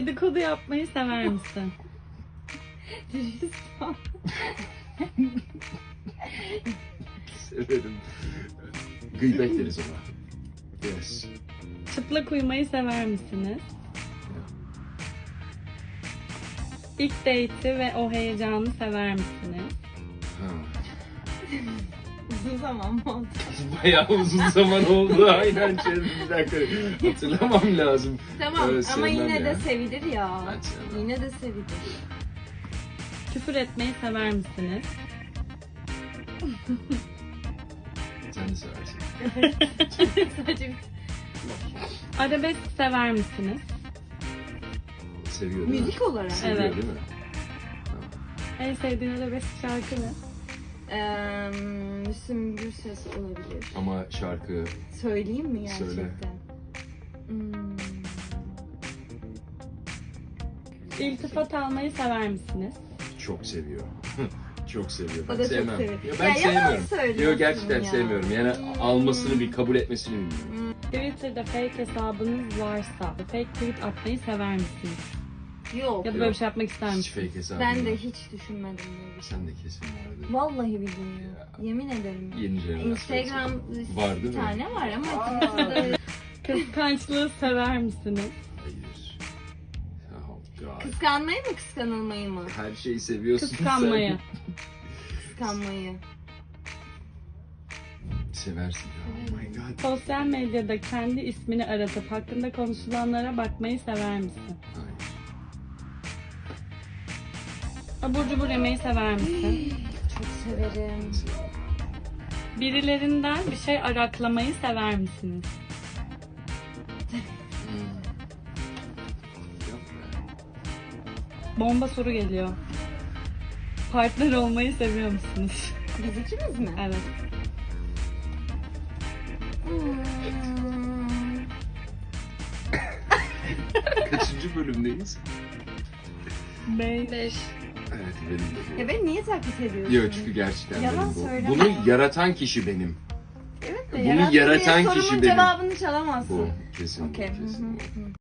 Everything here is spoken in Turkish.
Dedikodu yapmayı sever misin? Severim. Gıybet deriz ona. Yes. Çıplak uyumayı sever misiniz? İlk date'i ve o heyecanı sever misiniz? Ha. Uzun zaman mı oldu? Bayağı uzun zaman oldu. Aynen bir dakika. Hatırlamam lazım. Tamam ama Sevmem yine ya. de sevilir ya. Ben sevmem. Yine de sevilir. Küfür etmeyi sever misiniz? Sen de seversin. Sadece bir... Arabesk sever misiniz? Seviyor değil mi? Müzik olarak. Seviyor Evet. değil mi? En sevdiğin arabesk şarkı ne? Müslüm Gürses olabilir. Ama şarkı Söyleyeyim mi gerçekten? Söyle. İltifat almayı sever misiniz? çok seviyor. Çok seviyor. O Ben da çok sevmem. seviyor. Ya ben Ya yalan sevmiyorum. söylüyorsun Yok gerçekten ya. sevmiyorum. Yani almasını bir kabul etmesini bilmiyorum. Twitter'da fake hesabınız varsa fake tweet atmayı sever misiniz? Yok. Ya da böyle bir şey yapmak ister Hiç misiniz? fake hesabım Ben de yok. hiç düşünmedim böyle bir şey. Sen de kesin vardı. Vallahi bilmiyorum. Ya. Yemin ederim. Yeni jenerasyon. Instagram Var değil bir mi? tane var ama Twitter'da Kıskançlığı sever misiniz? Hayır. Oh God. kıskanmayı mı kıskanılmayı mı? Her şeyi seviyorsun Kıskanmayı. Kıskanmayı. sen. Seversin ya. Oh my God. Sosyal medyada kendi ismini aratıp hakkında konuşulanlara bakmayı sever misin? Hayır. Abur cubur yemeyi sever misin? Çok severim. Birilerinden bir şey araklamayı sever misiniz? Yok be. Bomba soru geliyor. Partner olmayı seviyor musunuz? Biz ikimiz mi? Evet. Kaçıncı bölümdeyiz? 5. Evet benim de bu. Ya beni niye taklit ediyorsun? Yok çünkü gerçekten Yalan benim bu. söyleme. Bunu yaratan kişi benim. Evet Bunu yarattın yaratan diye kişi sorumun benim. cevabını çalamazsın. Bu kesin. Okey. Kesin. Hı hı.